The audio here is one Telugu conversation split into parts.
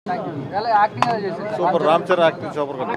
Super Ram Charan acting super గా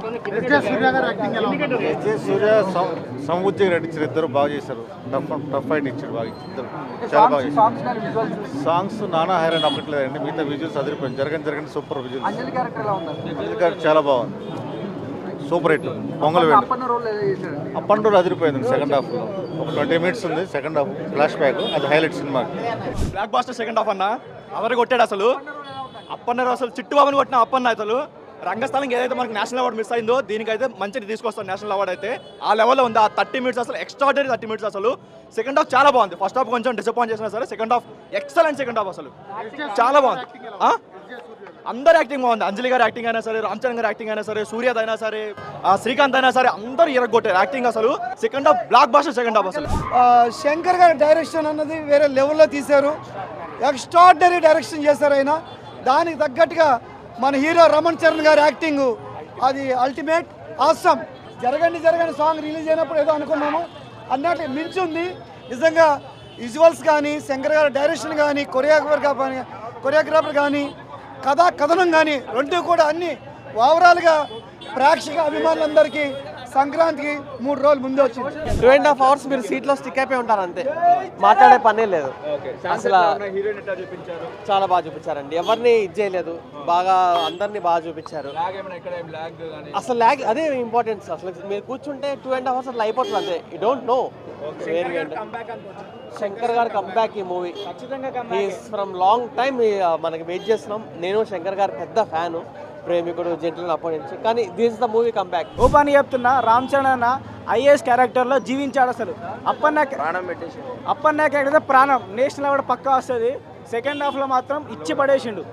సూర్య సముద్రం నటించారు. ఇద్దరు బాగా చేశారు. టఫ్ ఫైట్ ఇచ్చారు. బాగా ఇద్దరు చాలా బాగా చేశారు. సాంగ్స్ నానా హైరాన్ అవ్వట్లేదండి. మిగతా విజువల్స్ అదిరిపోయింది. జరగని సూపర్ విజువల్స్. అంజలి గారు చాలా బాగుంది. Super hit. పొంగల్ వేడి అప్పన్ రోల్ అదిరిపోయింది. సెకండ్ హాఫ్ ఒక 20 minutes ఉంది. సెకండ్ హాఫ్ ఫ్లాష్ బ్యాక్ అది highlight cinema. Blockbuster second half అన్న అవరు కొట్టాడు అసలు. అప్పన్నారు అసలు చిట్టుబాబుని కొట్టిన అప్పన్న అసలు రంగస్థలం ఏదైతే మనకి నేషనల్ అవార్డు మిస్ అయిందో దీనికైతే మంచిగా తీసుకొస్తాం. నేషనల్ అవార్డు అయితే ఆ లెవెల్లో ఉంది. ఆ 30 minutes అసలు ఎక్స్ట్రాడనరీ 30 minutes అసలు. సెకండ్ హాఫ్ చాలా బాగుంది. ఫస్ట్ హాఫ్ కొంచెం డిసప్పాయింట్ చేసినా సరే second half excellent. Second half అసలు చాలా బాగుంది. అందరు యాక్టింగ్ బాగుంది. అంజలి గారి యాక్టింగ్ అయినా సరే, రామ్ చరణ్ గారి యాక్టింగ్ అయినా సరే, సూర్యద్ అయినా సరే, శ్రీకాంత్ అయినా సరే అందరూ ఇరగొట్టారు యాక్టింగ్ అసలు. Second half blockbuster second half అసలు. శంకర్ గారి డైరెక్షన్ అన్నది వేరే లెవెల్లో తీశారు. ఎక్స్ట్రాడినరీ డైరెక్షన్ చేశారు ఆయన. దానికి తగ్గట్టుగా మన హీరో రమణ్ చరణ్ గారి యాక్టింగ్ అది ultimate awesome. Jaragandi song release అయినప్పుడు ఏదో అనుకున్నాము అన్నట్లు మించుంది నిజంగా. విజువల్స్ కానీ, శంకర్ గారి డైరెక్షన్ కానీ, కొరియోగ్రాఫర్ కానీ, కథనం కానీ రెండు కూడా అన్ని ఓవరాల్గా ప్రేక్షక అభిమానులందరికీ సంక్రాంతికి 3 రోజులు ముందే వచ్చింది. 2.5 hours మీరు సీట్లో స్టిక్ అయిపోయి ఉంటారు అంతే. మాట్లాడే పనే లేదు అసలు. చాలా బాగా చూపించారండి. ఎవరిని ఇది చేయలేదు. బాగా అందరినీ బాగా చూపించారు. అసలు ల్యాగ్ అదే ఇంపార్టెన్స్. అసలు మీరు కూర్చుంటే 2.5 hours అట్లా అయిపోతుంది అంతే. You don't know. శంకర్ గారి కంబ్యాక్ ఈ మూవీ ఫ్రమ్ లాంగ్ టైమ్ మనకి వెయిట్ చేస్తున్నాం. నేను శంకర్ గారి పెద్ద ఫ్యాను, ప్రేమికుడు, జెంటిల్ అప్పటి నుంచి. కానీ this the movie comeback. Open చెప్తున్నా, రామ్ చరణ్ అన్న ఐఏఎస్ క్యారెక్టర్లో జీవించాడు అసలు. అప్పన్న క్యారెక్టర్ ప్రాణం. నేషనల్ అవార్డు పక్కా వస్తుంది. సెకండ్ హాఫ్లో మాత్రం ఇచ్చి పడేసిండు.